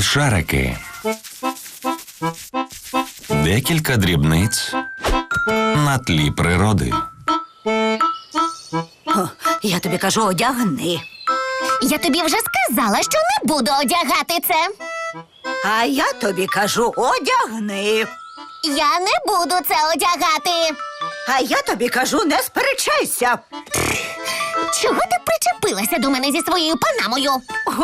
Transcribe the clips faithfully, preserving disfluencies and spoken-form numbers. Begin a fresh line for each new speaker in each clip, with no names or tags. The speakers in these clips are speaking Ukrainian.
Смішарики. Декілька дрібниць на тлі природи.
О, я тобі кажу, одягни.
Я тобі вже сказала, що не буду одягати це.
А я тобі кажу, одягни.
Я не буду це одягати.
А я тобі кажу, не сперечайся.
Чого ти причепилася до мене зі своєю панамою?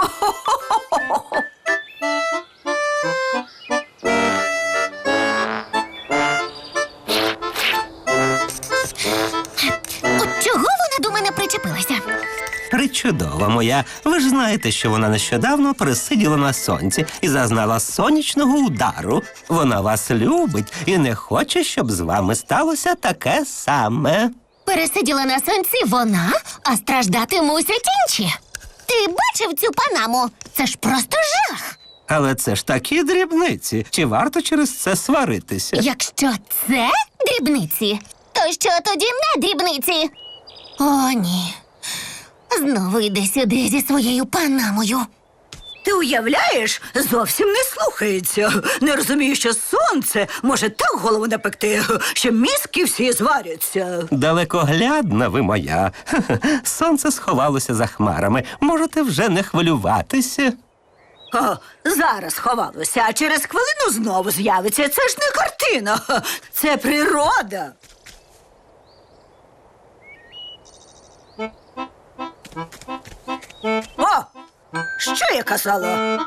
От чого вона до мене причепилася?
Причудова моя. Ви ж знаєте, що вона нещодавно пересиділа на сонці і зазнала сонячного удару. Вона вас любить і не хоче, щоб з вами сталося таке саме.
Пересиділа на сонці вона, а страждати мусять інші. Ти бачив цю панаму? Це ж просто жах.
Але це ж такі дрібниці. Чи варто через це сваритися?
Якщо це дрібниці, то що тоді не дрібниці? О, ні. Знову йде сюди зі своєю панамою.
Ти уявляєш, зовсім не слухається. Не розумію, що сонце може так голову напекти, що мізки всі зваряться.
Далекоглядна ви моя. Хе-хе. Сонце сховалося за хмарами. Можете вже не хвилюватися.
О, зараз ховалося, а через хвилину знову з'явиться. Це ж не картина, це природа. О, що я казала?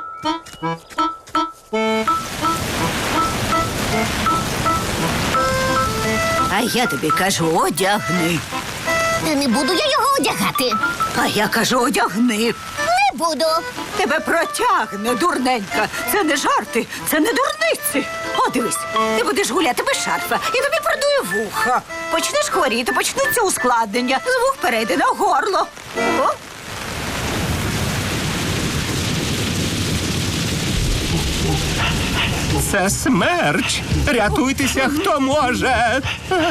А я тобі кажу, одягни.
Та не буду я його одягати.
А я кажу, одягни.
Не буду.
Тебе протягне, дурненька. Це не жарти, це не дурниці. О, дивись, ти будеш гуляти без шарфа, і тобі продує вуха. Почнеш хворіти, почнуться ускладнення. З вух перейде на горло. О.
Це смерч. Рятуйтеся, хто може.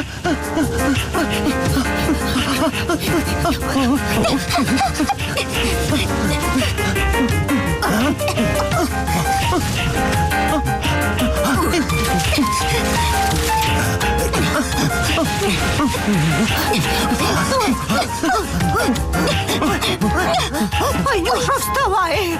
Ой, Нюша, вставай.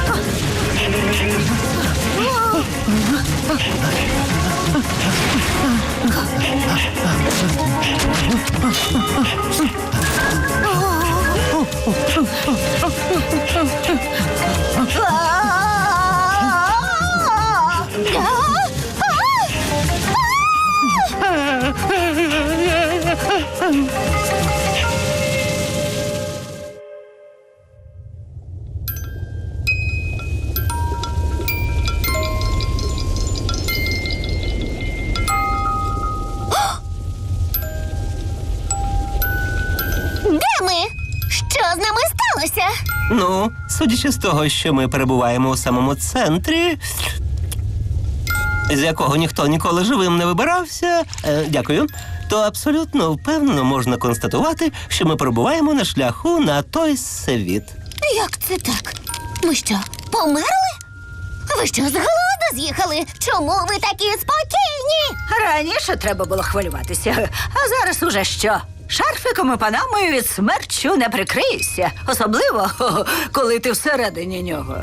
Де ми? Що з нами сталося?
Ну, судячи з того, що ми перебуваємо у самому центрі, з якого ніхто ніколи живим не вибирався, е, дякую, то абсолютно впевнено можна констатувати, що ми перебуваємо на шляху на той світ.
Як це так? Ми що, померли? Ви що, з голоду з'їхали? Чому ви такі спокійні?
Раніше треба було хвилюватися, а зараз уже що? Шарфиком і панамою від смерчу не прикриєшся. Особливо, коли ти всередині нього.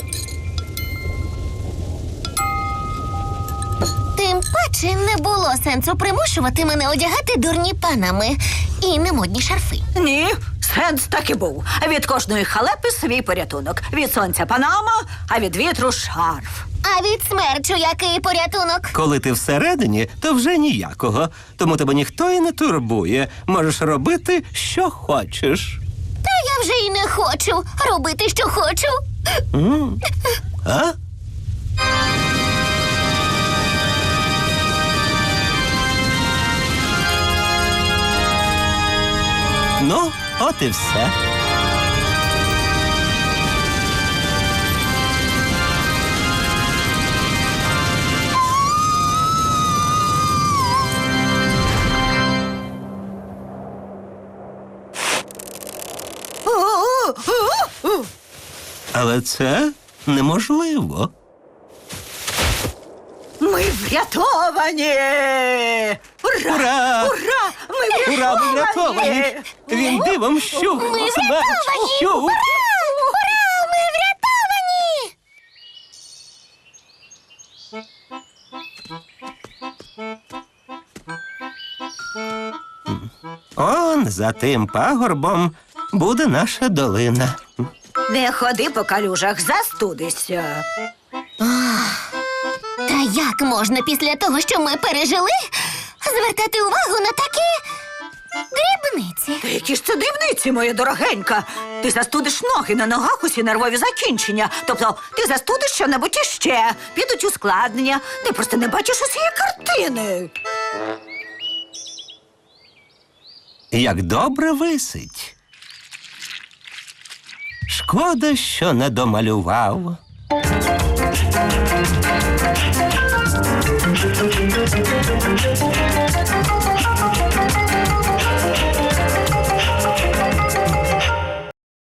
Тим паче не було сенсу примушувати мене одягати дурні панами і немодні шарфи.
Ні, сенс так і був. Від кожної халепи свій порятунок. Від сонця панама, а від вітру шарф.
А від смерчу який порятунок?
Коли ти всередині, то вже ніякого. Тому тебе ніхто і не турбує. Можеш робити, що хочеш.
Та я вже й не хочу робити, що хочу.
М? А? Ну, от і все. Але це неможливо.
врятовані! Ура!
Ура!
Ура! Ми
Ура,
врятовані!
ми врятовані! Він дивом щух,
Ми
смерть
врятовані!
щух.
Ура! Ура! Ми врятовані!
Он за тим пагорбом буде наша долина.
Не ходи по калюжах, застудишся.
Та як можна після того, що ми пережили, звертати увагу на такі дрібниці?
Та які ж це дрібниці, моя дорогенька? Ти застудиш ноги, на ногах усі нервові закінчення. Тобто ти застудиш що-небудь іще, підуть ускладнення. Ти просто не бачиш усієї картини.
Як добре висить. Шкода, що не домалював.